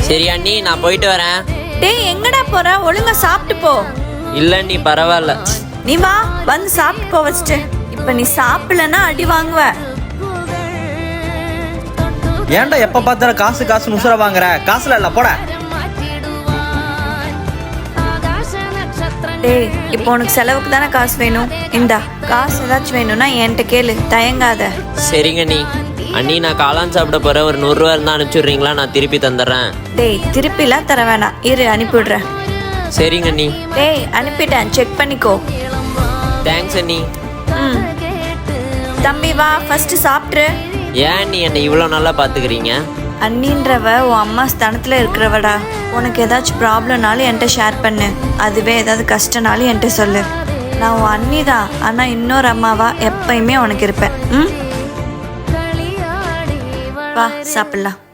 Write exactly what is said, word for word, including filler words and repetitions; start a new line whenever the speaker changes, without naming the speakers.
சரி அண்ணி, நான் போயிட்டு வரேன்.
டேய் எங்கடா போற? ஒழுங்கா சாப்பிட்டு போ.
இல்ல நீ பரவாயில்ல.
நீ வா, வந்து சாப்பிட்டு போ வச்சுட்டு. இப்ப நீ சாப்பிடலன்னா அடி வாங்குவ.
ஏன்டா எப்ப பார்த்தாலும் காசு காசு உசுர வாங்குற? காசுல இல்ல போட.
டேய் இப்போ உனக்கு செலவுக்கு தானே காசு வேணும். இந்தா காசு ஏதாச்சும் வேணும்னா என்கிட்ட கேளு, தயங்காத.
சரிங்க அண்ணி. அண்ணி நான் காளான் சாப்பிட போறேன். ஒரு நூறுரூவா இருந்தா அனுப்பிச்சுடுறீங்களா? நான் திருப்பி தந்துடுறேன்.
டேய் திருப்பிலாம் தர வேணாம், இரு அனுப்பிவிடுறேன்.
சரிங்க அண்ணி.
டேய் அனுப்பிட்டேன், செக் பண்ணிக்கோ.
தேங்க்ஸ் அண்ணி.
ம் தம்பி வா, ஃபர்ஸ்ட் சாப்பிட்ரு.
ஏன் அண்ணி என்னை இவ்வளோ நல்லா பார்த்துக்கிறீங்க?
அண்ணின்றவ உன் அம்மா ஸ்தானத்தில் இருக்கிறவடா. உனக்கு ஏதாச்சும் ப்ராப்ளம்னாலும் என்கிட்ட ஷேர் பண்ணு. அதுவே ஏதாவது கஷ்டனாலும் என்கிட்ட சொல்லு. நான் உன் அண்ணி தான், ஆனால் இன்னொரு அம்மாவா எப்பயுமே உனக்கு இருப்பேன். ம் வா சாப்பிட்லாம்.